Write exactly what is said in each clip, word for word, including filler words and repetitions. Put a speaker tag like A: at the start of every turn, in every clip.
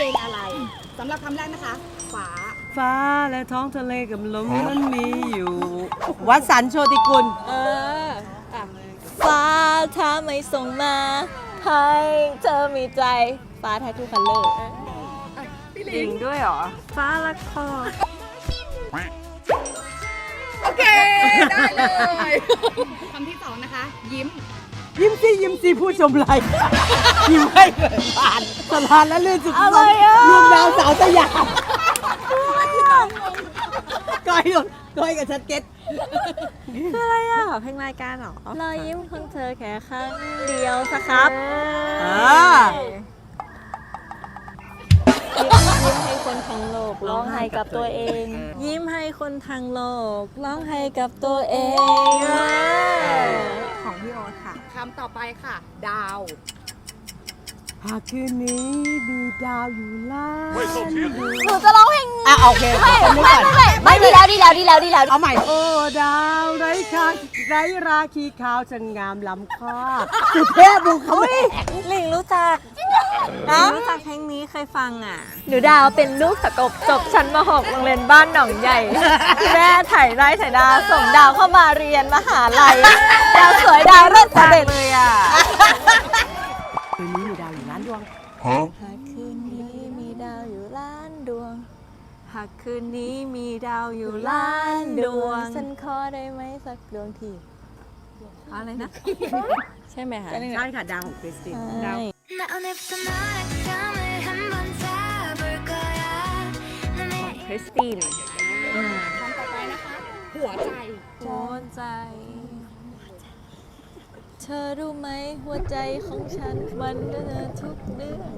A: ลงอะไรสำหรับคำแรกนะคะฟ้า
B: ฟ้าและท้องทะเลกับลมมันมีอยู่ วัดสันโชติกุล
C: เออฟ้าถ้าไม่ส่งมาให้เธอมีใจฟ้าแททูคัลเลอร์
B: จริงด้วยเหรอฟ้าละคร
A: โอเคได้เลยคำที่สองนะคะยิ้ม
B: ยิ้มสิยิ้มสิผู้ชมไรยิ้มให้เกิดผ่านสถานและเลื่อนสุดๆรวมดาวสาวสยามก้อยก้อยกับชัดเก็ต
C: คืออะไรอ่ะเพลงรายการเหรอรอยยิ้มของเธอแค่ครั้งเดียวสักครับยิ้มให้คนทั้งโลกร้องไห้กับตัวเองยิ้มให้คนทั้งโลกร้องไห้กับตัวเองของพี่โอ๊ตค่ะ
A: คำต่อไปค่ะดาว
B: หากคืนนี้มีดาวอยู่ล่าง
C: หนูจะร้องเพลง
B: อ่ะโอเคไม่
C: ไม่ไม่ไม่ดีแล้วดีแล้วดีแล้วดีแล้ว
B: เอาใหม่โอ้ดาวไร้ค่าไร้ราคีขาวช่างงามล้ำค่าสุดเทพบุคเขา
C: หลิงรู้จักรู้จักเพลงนี้เคยฟังอ่ะหนูดาวเป็นลูกสะกบจบชั้นม หก โรงเรียนบ้านหนองใหญ่แม่ถ่ายไร่ถ่ายดาวส่งดาวเข้ามาเรียนมหาลัยดาวสวยดาวเลิศเด่นเลยอ่ะ
B: คืนนี้มีดาวอยู่ล้านดวง
C: หากคืนนี้มีดาวอยู่ล้านดวงหากคืนนี้มีดาวอยู่ล้านดวงฉันขอได้ไหมสักดวงทีอะไรนะใช่ไหมคะ
B: ใช่ค่ะดาวของคริสตินดาว
C: ของคริสติน
A: คำต่อไปนะคะหัวใจ
C: หัวใจเธอรู้ไหมหัวใจของฉันมันเดินทุกเรื่อง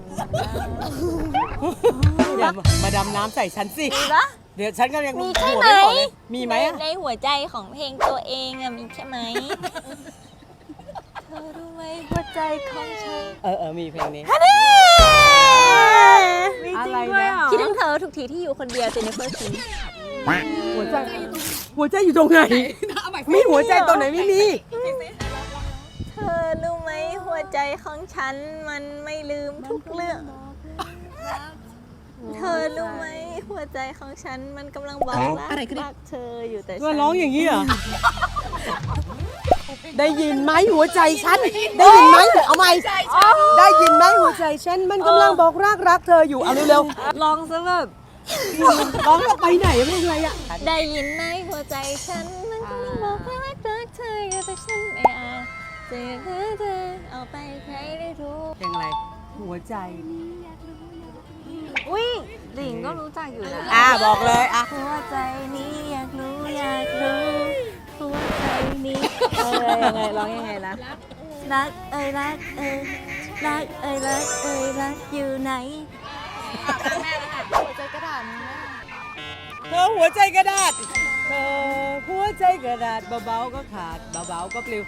B: เดี๋ยวมาดำน้ำใส่ฉันสิ
C: มีปะ
B: เดี๋ยวฉันก็ยัง
C: มีใช่ไหม
B: มีไหม
C: ในหัวใจของเพลงตัวเองอะมีใช่ไหมเธอรู้ไหมหัวใจของฉัน
B: เออเออมีเพลงนี้
C: มีจริงด้วยคิดถึงเธอทุกทีที่อยู่คนเดียวเจนนิเฟอร์คิม
B: หัวใจหัวใจอยู่ตรงไหนมีหัวใจตรงไหนไม่มี
C: เธอรู้ไหมหัวใจของฉันมันไม่ลืมทุกเรื่องเธอรู้ไหมหัวใจของฉันมันกำลังบอกรักเธออยู่แต่
B: ฉันร้องอย่างนี้เหรอได้ยินไหมหัวใจฉันได้ยินไหมเอาไหมได้ยินไหมหัวใจฉันมันกำลังบอกรักรักเธออยู่เอาเร็ว
C: ๆร้องซะแบบ
B: ร้องไปไหนไม่อะไรอ่ะ
C: ได้ยินไหมหัวใจฉันมันกำลังบอกรักรักเธออยู่แต่ฉันไม่อาจจะเธอเธอเอาไปใครได้รู้
B: เพลงอะไรหัวใจ
C: อุ้ยหลิงก็รู้จักอยู่นะ
B: อ่ะบอกเลยอ่ะ
C: หัวใจนี้อยากรู้อยากรู้หัวใจนี้เออยังไงร้องยังไงนะรักเอ้ยรักเอ้ยรักเอ้ยรักเอ้ยรักอยู่ไหนหัวใจกระดาษ
B: เธอหัวใจกระดาษเธอหัวใจกระดาษเบาๆก็ขาดเบาๆก็ปลิว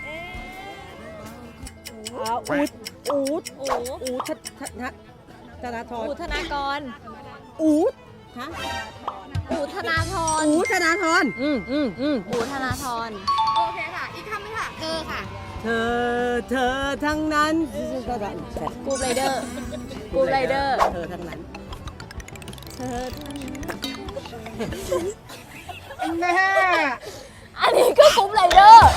B: อูดอูดอูดอูดชัดชัดธนาธร
C: อูธนากร
B: อูดฮะ
C: อูธนาธร
B: อูธนาธร
C: อืมอืมอืมอูธนาธร
A: โอเคค่ะอีกคำนึงค่ะเธอค่ะ
B: เธอเธอทั้งนั้น
C: กูไรเดอร์กูไรเดอร์
B: เธอทั้งนั้น
C: เธอทั้งนั้น
A: แม่
C: อันนี้ก็กูไรเดอร์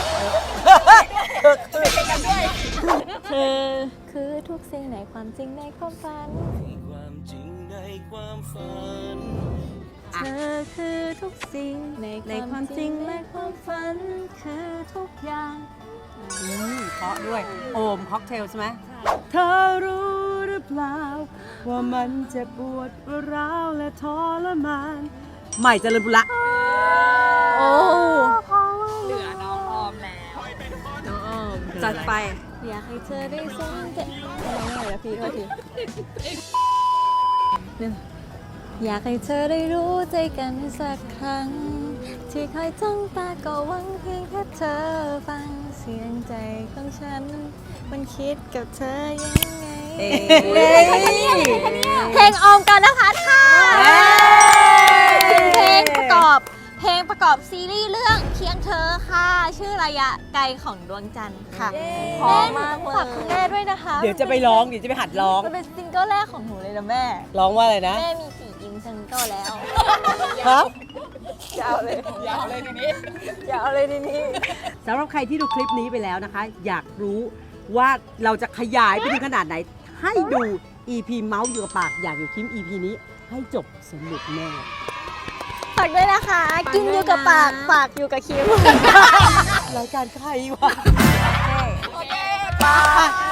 C: เธอคือทุกสิ่งในความจริงในความฝันเธอคือทุกสิ่งในความจริงในความฝันคือทุกอย่าง
B: เพราะด้วยโอมค็อกเทลใช่ไหมเธอรู้หรือเปล่าว่ามันจะปวดร้าวและทรมานใหม่เจริญบุระ
C: โอ้
A: เหลือน้องออมแล้ว
C: น้องออมจัดไปอยากให้เธอได้สนใจน้องอะไรนะพี่โทษทีอยากให้เธอได้รู้ใจกันสักครั้งที่คอยจ้องตาก็หวังเพียงแค่เธอฟังเสียงใจของฉันมันคิดกับเธอยังไงเพลงออมกันนะคะค่ะเพลงประกอบเพลงประประกอบซีรีส์เรื่องเพียงเธอค่ะ ชื่อระยะไกลของดวงจันทร์ค่ะพร้อมมากเลยฝากคุณแม่ด้วยนะคะ
B: เดี๋ยวจะไปร้องเดี๋ยวจะไปหัดร้อง
C: มันเป็นซิงเกิลแรกของหนูเลยนะแม่
B: ร้องว่าอะไรนะ
C: แม่มีกี่อินซิงเกิลแล้ว
B: ฮะ
C: ยาวเลย
A: ยาวเลยทีนี้
C: ยาวเลยทีนี้
B: สำหรับใครที่ดูคลิปนี้ไปแล้วนะคะ อยากรู้ว่าเราจะขยายไปถึงขนาดไหน ให้ดู อี พี เมาส์อยู่กับปากอยากอยู่คิม อี พี นี้ให้จบสนุกแน่
C: ฝากด้วยนะคะ กินอยู่กับปากฝากอยู่กับคิม
B: รายการใครวะ
C: โอเค